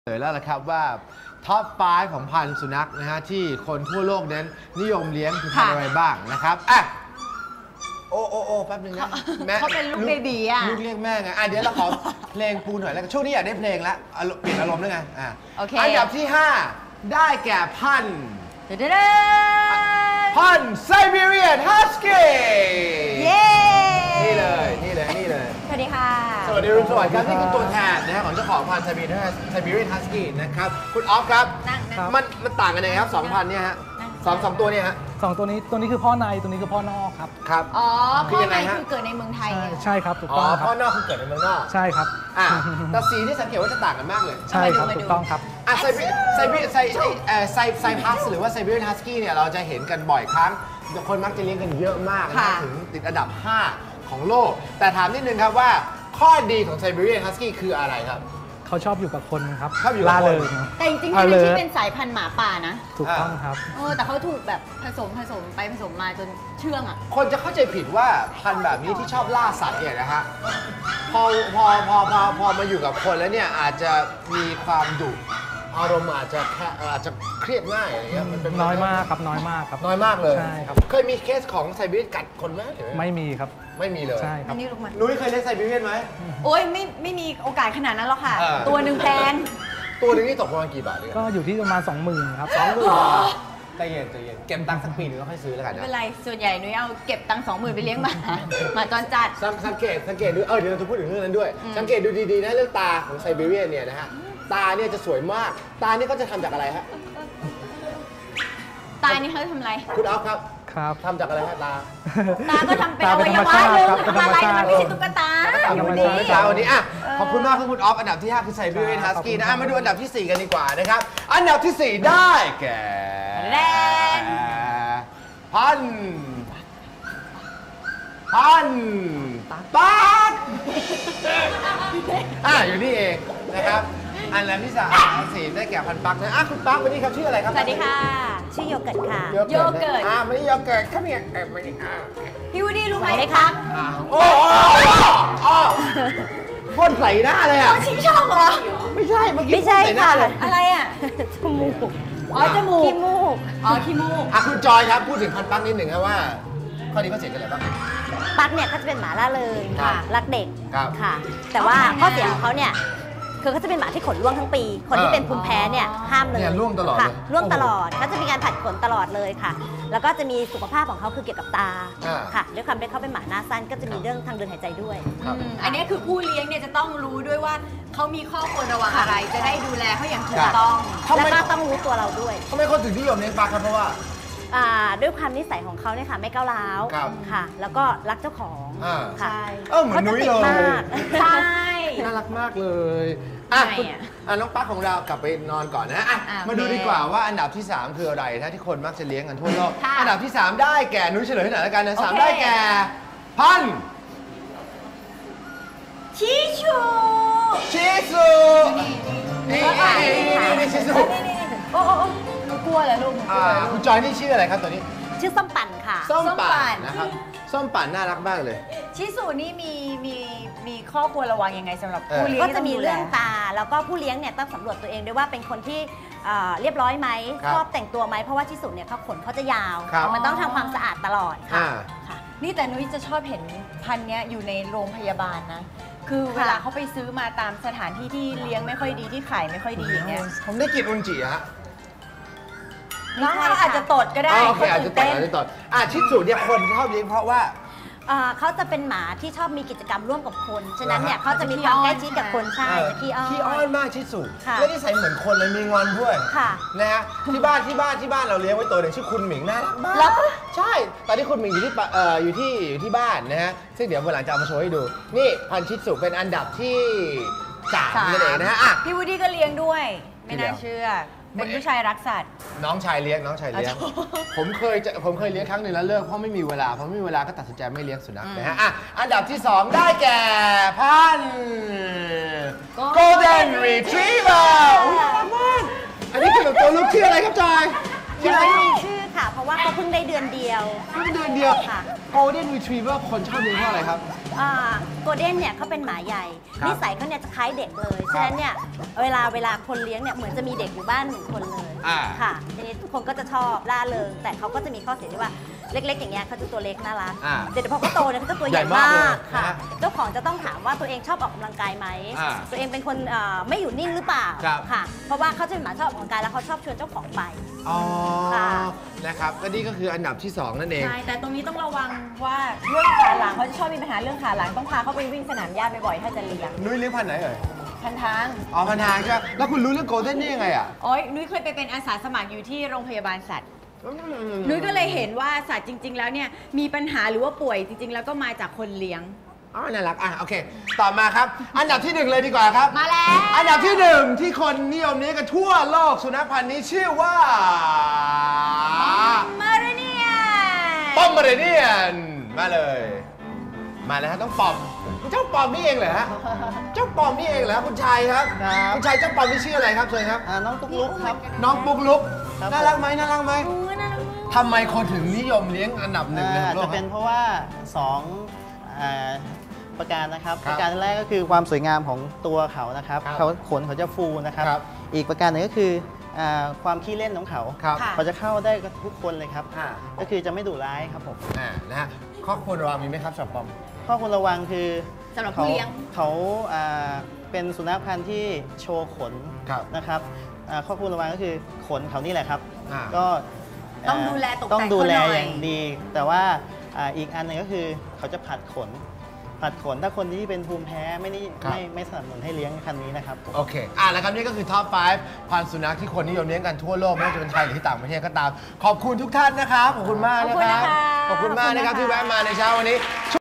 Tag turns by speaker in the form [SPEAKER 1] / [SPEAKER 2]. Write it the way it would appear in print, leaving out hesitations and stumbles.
[SPEAKER 1] เลยแล้วละครับว่าท็อป 5 ของพันธุ์สุนัขนะฮะที่คนทั่วโลกนั้นนิยมเลี้ยงคือพันธุ์อะไรบ้างนะครับอ่ะโอ้แป๊บนึงนะแม่
[SPEAKER 2] เขาเป็นลูกเบบีอ่ะ
[SPEAKER 1] ลูกเรียกแม่ไงเดี๋ยวเราขอเพลงปูหน่อยแล้วช่วงนี้อยากได้เพลงแล้วเปลี่ยนอารมณ์ด้วยไง
[SPEAKER 2] โอเค
[SPEAKER 1] อันดับที่ 5 ได้แก่พันธุ์พันธุ์ไซบีเรียนฮัสกี้
[SPEAKER 2] เย้
[SPEAKER 1] นี่เลย
[SPEAKER 2] สวัสดีค่ะ
[SPEAKER 1] สวัสดีรุ่งสวัสดิ์ครับนี่คือตัวแทนนะฮะของเจ้าของพันธุ์ไซบีเรียนฮัสกี้นะครับคุณออฟครับมันต่างกันยังไงครับ2,000เนี่ยฮะสองตัวเนี่ยฮะ
[SPEAKER 3] 2ตัวนี้คือพ่อในตัวนี้คือพ่อนอกครับ
[SPEAKER 1] ครับ
[SPEAKER 2] อ๋อพ่อในคือเกิดในเมืองไทย
[SPEAKER 3] ใช่ครับถูกต้องครับ
[SPEAKER 1] พ่อนอกคือเกิดในเมืองนอก
[SPEAKER 3] ใช่ครับ
[SPEAKER 1] แต่สีที่สังเกตว่าจะต่างกันมากเลย
[SPEAKER 3] ใช่ครับถูกต้องครับ
[SPEAKER 1] ไซพัสหรือว่าไซบีเรียนฮัสกี้เนี่ยเราจะเห็นกันบ่อยครั้งคนมักจะเลี้ยงกันเยอะมากนะถึงติดอันดับ 5 ของโลกแต่ถามนิดนึงครับว่าข้อดีของไซบีเรียนฮัสกี้คืออะไรครับ
[SPEAKER 3] เขาชอบอยู่กับคนครับ
[SPEAKER 1] ชอบอยู่กับคน
[SPEAKER 2] แต่จริงๆมันที่เป็นสายพันธุ์หมาป่านะ
[SPEAKER 3] ถูกต้องครับ
[SPEAKER 2] แต่เขาถูกแบบผสมไปผสมมาจนเชื่องอ่ะ
[SPEAKER 1] คนจะเข้าใจผิดว่าพันธุ์แบบนี้ที่ชอบล่าสัตว์เนี่ยนะฮะพอมาอยู่กับคนแล้วเนี่ยอาจจะมีความดุอารมณ์อาจจะเครียดง่ายอะไรเงี้ยมันเป็น
[SPEAKER 3] น้อยมากครับน้อยมากครับ
[SPEAKER 1] น้อยมากเลย
[SPEAKER 3] ใช่ครับ
[SPEAKER 1] เคยมีเคสของไซบีเรียนกัดคนไหม
[SPEAKER 3] ไม่มีครับ
[SPEAKER 1] ไม่มีเลย
[SPEAKER 3] ใช่ครับ
[SPEAKER 1] นุ้ยเคยเลี้ยงไซบีเรียนไหม
[SPEAKER 2] โอ้ยไม่มีโอกาสขนาดนั้นหรอกค่ะตัวหนึ่งแพง
[SPEAKER 1] ตัวหนึ่งนี่ตกประมาณกี่บาท
[SPEAKER 3] ก็อยู่ที่ประมาณ 20,000 ครับ
[SPEAKER 1] ใจเย็นเก็บตังค์สักปีนึงแล้วค่อยซื้อแล้วกันนะ
[SPEAKER 2] ไม่เป็นไรส่วนใหญ่นุ้ยเอาเก็บตังค์20,000ไปเลี้ยงหมาจรจัด
[SPEAKER 1] สังเกตดูเดี๋ยวเราจะพูดถึงเรื่องนั้นด้วยสังเกตดูดีๆนะเรื่องตาของไซบีเรียนเนี่ยนะฮะตาเนี่ยจะสวยมากตานี่ก็จะทำจากอะไรฮะ
[SPEAKER 2] ตานี่เขาทำอะไร
[SPEAKER 1] คุณอ๊อฟครับทำจากอะไรฮะตา
[SPEAKER 2] ก็ทำเป็นอวัยวะหนึ่งทำอะไรมันไม่ใช่ตุ๊กตา
[SPEAKER 1] วันนี้ขอบคุณมากครับคุณอ๊อฟอันดับที่ 5 คือไซบีเรียนฮัสกี้นะมาดูอันดับที่ 4 กันดีกว่านะครับอันดับที่ 4 ได้แก่พันปักอยู่นี่เองนะครับอันดับที่ 4 ได้แก่พันปักนะคุณปักวันนี้ครับชื่ออะไรครับ
[SPEAKER 2] สวัสดีค่ะชื่อโยเกิร์ตค่ะโยเกิร์ต
[SPEAKER 1] วันนี้โยเกิร์ตครับเนี่ยวันนี้
[SPEAKER 2] พี่วูดดี้รู้ไหมครับ
[SPEAKER 1] โอ้พ่นใส่หน้าเลยอ่ะ
[SPEAKER 2] ชิงช่องเหรอ
[SPEAKER 1] ไม่ใช่เมื่อกี้
[SPEAKER 2] ไม่ใช่ค่ะอะไรอ่ะจมูกจมูกขี้มูก
[SPEAKER 1] คุณจอยครับพูดถึงพันปักนิดหนึ่งครับว่าข้อดีข้อเสียกันอะไรบ้าง
[SPEAKER 4] ปักเนี่ยก็จะเป็นหมาล่าเริงรักเด็กค่ะแต่ว่าข้อเสียของเขาเนี่ยคือเขาจะเป็นหมาที่ขนร่วงทั้งปีคนที่เป็นภูมิแพ้เนี่ยห้ามเลย
[SPEAKER 1] ร่วงตลอด
[SPEAKER 4] ค่ะร่วงตลอดเขาจะมีการผัดขนตลอดเลยค่ะแล้วก็จะมีสุขภาพของเขาคือเกี่ยวกับตาค่ะด้วยความที่เขาเป็นหมาหน้าสั้นก็จะมีเรื่องทางเดินหายใจด้วย
[SPEAKER 2] อันนี้คือผู้เลี้ยงเนี่ยจะต้องรู้ด้วยว่าเขามีข้อควรระวังอะไรจะได้ดูแลเขาอย่างถูกต้อง
[SPEAKER 4] และก็ต้องรู้ตัวเราด้วย
[SPEAKER 1] ทำไมคนถึงนิยมเลี้ยงปักครับเพราะว่า
[SPEAKER 4] ด้วยความนิสัยของเขาเนี่ยค่ะไม่ก้าวร้าวค่ะแล้วก็รักเจ้าของค่ะ
[SPEAKER 1] เหมือนนุ้ยเลย
[SPEAKER 2] ใช่
[SPEAKER 1] น่ารักมากเลยน้องปักของเรากลับไปนอนก่อนนะมาดูดีกว่าว่าอันดับที่ 3 คืออะไรที่คนมักจะเลี้ยงกันทั่วโลกอันดับที่ 3 ได้แก่นุ้ยเฉลยให้หน่อยแล้วกันนะ3ได้แก่พัน
[SPEAKER 2] ชิชู
[SPEAKER 1] นี่ชิซู
[SPEAKER 2] โอ้กลัวเหรอลูก
[SPEAKER 1] คุณจอยนี่ชื่ออะไรครับตัวนี้
[SPEAKER 4] ชื่อส้มปั่นค่ะ
[SPEAKER 1] ส้มปั่นนะครับส้มปั่นน่ารักมากเลย
[SPEAKER 2] ชิซูนี่มีข้อควรระวังยังไงสำหรับผู้เลี้ยง
[SPEAKER 4] ก็จะมีเรื่องตาแล้วก็ผู้เลี้ยงเนี่ยต้องสำรวจตัวเองด้วยว่าเป็นคนที่เรียบร้อยไหมชอบแต่งตัวไหมเพราะว่าชิสุเนี่ยเขาขนเขาจะยาวมันต้องทำความสะอาดตลอดค่ะ
[SPEAKER 2] นี่แต่นุ้ยจะชอบเห็นพันธุ์นี้อยู่ในโรงพยาบาลนะคือเวลาเขาไปซื้อมาตามสถานที่ที่เลี้ยงไม่ค่อยดีที่ขายไม่ค่อยดีอย่างเงี้ย
[SPEAKER 1] ผมได้กลิ่นอุนจิฮะ
[SPEAKER 2] น้องอาจจะตดก็ได้
[SPEAKER 1] อาจจะตดชิสุเนี่ยคนชอบเลี้ยงเพราะว่า
[SPEAKER 4] เขาจะเป็นหมาที่ชอบมีกิจกรรมร่วมกับคนฉะนั้นเนี่ยเขาจะมีความใกล้ชิดกับคนใช่จะขี้
[SPEAKER 1] อ้อนมากชิสุและนิสัยเหมือนคนเลยมีงอนด้วยนะฮะที่บ้านเราเลี้ยงไว้ตัวหนึ่งชื่อคุณหมิงน่ารักมากใช่ตอนที่คุณหมิงอยู่ที่บ้านนะฮะซึ่งเดี๋ยววันหลังจะเอามาโชว์ให้ดูนี่พันชิสุเป็นอันดับที่3นั่นเองนะฮะ
[SPEAKER 2] พี่วูดดี้ก็เลี้ยงด้วยไม่น่าเชื่อเป็นผู้ชายรักสัตว์
[SPEAKER 1] น้องชายเลี้ยงผมเคยเลี้ยงครั้งหนึ่งแล้วเลิกเพราะไม่มีเวลาก็ตัดสินใจไม่เลี้ยงสุนัขนะฮะอันดับที่ 2 ได้แก่พันธุ์ Golden Retriever อันนี้คือตัวลูกชื่ออะไรครับจอย
[SPEAKER 4] ยังไม่มีชื่อค่ะค่ะ เพราะว่าเขาเพิ่งได้เดือนเดียว
[SPEAKER 1] เพิ่งเดือนเดียว
[SPEAKER 4] ค่ะ
[SPEAKER 1] Golden Retriever คนชอบเลี้ยงเพราะอะไรครับ
[SPEAKER 4] โกลเด้นเนี่ยเขาเป็นหมาใหญ่
[SPEAKER 1] ครับ
[SPEAKER 4] นิสัยเขาเนี่ยจะคล้ายเด็กเลย ฉะนั้นเนี่ยเวลาคนเลี้ยงเนี่ยเหมือนจะมีเด็กอยู่บ้านหนึ่งคนเลย
[SPEAKER 1] อ่า
[SPEAKER 4] ค่ะทีนี้ทุกคนก็จะชอบล่าเริงแต่เขาก็จะมีข้อเสียที่ว่าเล็กๆ อย่างเงี้ยเขาจะตัวเล็กน่ารัก
[SPEAKER 1] อ่า
[SPEAKER 4] เดี๋ยวพอเขาโตเนี่ยเขาจะตัวใหญ่
[SPEAKER 1] ใหญ่มาก
[SPEAKER 4] มาก
[SPEAKER 1] เลย
[SPEAKER 4] ค่ะ
[SPEAKER 1] นะฮะ
[SPEAKER 4] เจ้าของจะต้องถามว่าตัวเองชอบออกกำลังกายไหม
[SPEAKER 1] อ่า
[SPEAKER 4] ตัวเองเป็นคนไม่อยู่นิ่งหรือเปล่า
[SPEAKER 1] ครับ
[SPEAKER 4] ค่ะ เพราะว่าเขาจะเป็นหมาชอบออกกำลังกายแล้วเขาชอบชวนเจ้าของไป
[SPEAKER 1] อ๋อ
[SPEAKER 4] ค่ะ
[SPEAKER 1] นะครับและนี่ก็คืออันดับที่ 2 นั่นเอง
[SPEAKER 2] ใช่ แต่ตรงนี้ต้องระวังว่าเรื่องขาหลังเขาจะชอบมีปัญหาเรื่องขาหลังต้องพาเขาไปวิ่งสนามหญ้าบ่อยๆถ้าจะเลี้ยง
[SPEAKER 1] นุ้ยเลี้ยงพันธุ์ไหนเอ่ย
[SPEAKER 2] พันทาง
[SPEAKER 1] อ๋อพันทางใช่ไหมแล้วคุณรู้เรื่อง Golden นี่ยังไงอ่ะ
[SPEAKER 2] โอ้ยนุ้ยเคยไปเป็นอาสาสมัครอยู่ที่โรงพยาบาลสัตว์ นุ้ยก็เลยเห็นว่าสัตว์จริง ๆ แล้วเนี่ยมีปัญหาหรือว่าป่วยจริง ๆ แล้วก็มาจากคนเลี้ยง
[SPEAKER 1] อ๋อน่ารักอ่ะโอเค ต่อมาครับ อันดับที่ 1 เลยดีกว่าครับ
[SPEAKER 2] มาแล้ว
[SPEAKER 1] อันดับที่ 1 ที่คนนิยมเลี้ยงกันทั่วโลกสุนัขพันธุ์นี้ชื่อว่า
[SPEAKER 2] มาเรเนีย
[SPEAKER 1] ปอมเมอเรเนียนมาเลย มาแล้วฮะต้องปอมเจ้าปอมนี่เองเหรอฮะเจ้าปอมนี่เองเหรอคุณชายครับ
[SPEAKER 5] ครับ
[SPEAKER 1] คุณชายเจ้าปอมนี่ชื่ออะไรครับเชิญครับ
[SPEAKER 5] น้องตุ๊กลุกครับ
[SPEAKER 1] น้องปุ๊กลุก
[SPEAKER 5] ครับ
[SPEAKER 1] น่ารักไหมน่ารักไหม
[SPEAKER 4] โอ้ยน่ารักมาก
[SPEAKER 1] ทำไมคนถึงนิยมเลี้ยงอันดับหนึ่งใน
[SPEAKER 5] อาจ
[SPEAKER 1] โล
[SPEAKER 5] จะ
[SPEAKER 1] ก
[SPEAKER 5] เป็นเพราะว่าประการนะครับ
[SPEAKER 1] ครับ
[SPEAKER 5] ประการแรกก็คือความสวยงามของตัวเขานะครับ
[SPEAKER 1] ครับ
[SPEAKER 5] เขาขนเขาจะฟูนะครับ
[SPEAKER 1] ครับ
[SPEAKER 5] อีกประการหนึ่งก็คือความขี้เล่นของเขา
[SPEAKER 1] ครับ
[SPEAKER 2] ค่ะ
[SPEAKER 5] เขาจะเข้าได้กับทุกคนเลยครับ
[SPEAKER 1] อ่า
[SPEAKER 5] ก็คือจะไม่ดุร้ายครับผม
[SPEAKER 1] นะฮะข้อควรระวังมีไหมครับสำหรับปอม
[SPEAKER 5] ข้อควรระวังคือ
[SPEAKER 2] สำหรับผู้เลี้ยง
[SPEAKER 5] เขาเป็นสุนัขพันธุ์ที่โชว์ขน
[SPEAKER 1] ครับ
[SPEAKER 5] นะครับข้อควรระวังก็คือขนเขานี่แหละครับ
[SPEAKER 1] อ่า
[SPEAKER 5] ก็
[SPEAKER 2] ต้องดูแลตกแต่ง
[SPEAKER 5] ต้องดูแล
[SPEAKER 2] เขาหน่อย
[SPEAKER 5] อย่างดี แต่ว่าอีกอันหนึงก็คือเขาจะผัดขน ผัดขนถ้าคนที่เป็นภูมิแพ้ไม่นี่
[SPEAKER 1] ครับ
[SPEAKER 5] ไม่สนับสนุนให้เลี้ยงคันนี้นะครับผม
[SPEAKER 1] โอเคแล้วครับนี่ก็คือท็อป 5 พันธุ์สุนัขที่คนนิยมเลี้ยงกันทั่วโลกไม่ว่าจะเป็นไทยหรือที่ต่างประเทศก็ตาม ขอบคุณทุกท่านนะครับ ขอบคุณมากนะครับ
[SPEAKER 2] ขอบคุณนะคะ
[SPEAKER 1] ขอบคุณมากนะครับที่แวะมาในเช้าวันนี้